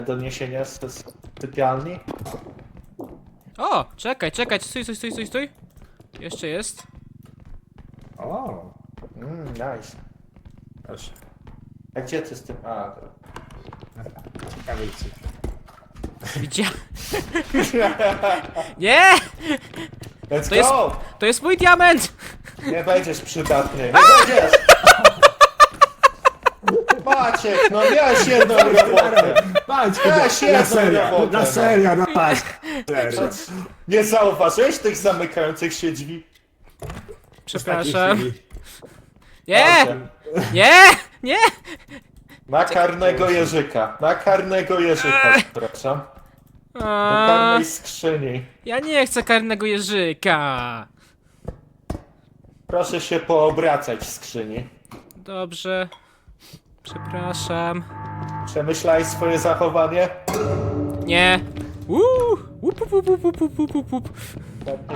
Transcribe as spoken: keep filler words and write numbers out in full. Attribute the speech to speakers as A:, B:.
A: doniesienia z, z sypialni?
B: O, czekaj, czekaj, stój, stój, stój, stój, stój. Jeszcze jest.
A: O, mm, nice.
C: Proszę.
A: A gdzie ty z tym? A, to...
C: Ciekawe co.
B: Widzia... Nie!
A: Let's
B: To jest-
A: go!
B: To jest mój diament!
A: Nie będziesz przydatny, nie będziesz! Maciek, no miałeś jedną robotę!
C: Patrz,
A: Weź
C: na
A: jedną
C: serio,
A: robotę,
C: na
A: no.
C: serio, no patrz. Serio.
A: Nie zauważyłeś tych zamykających się drzwi?
B: Przepraszam.
C: Chwili.
B: Nie!
A: Dobrze.
B: Nie! Nie!
A: Na karnego jeżyka, na karnego jeżyka, przepraszam. Do
B: A,
A: karnej skrzyni.
B: ja nie chcę karnego jeżyka.
A: Proszę się poobracać w skrzyni.
B: Dobrze. Przepraszam.
A: Przemyślałeś swoje zachowanie?
B: Nie. Uuu. Łup, łup, łup, łup, łup, łup, łup, łup.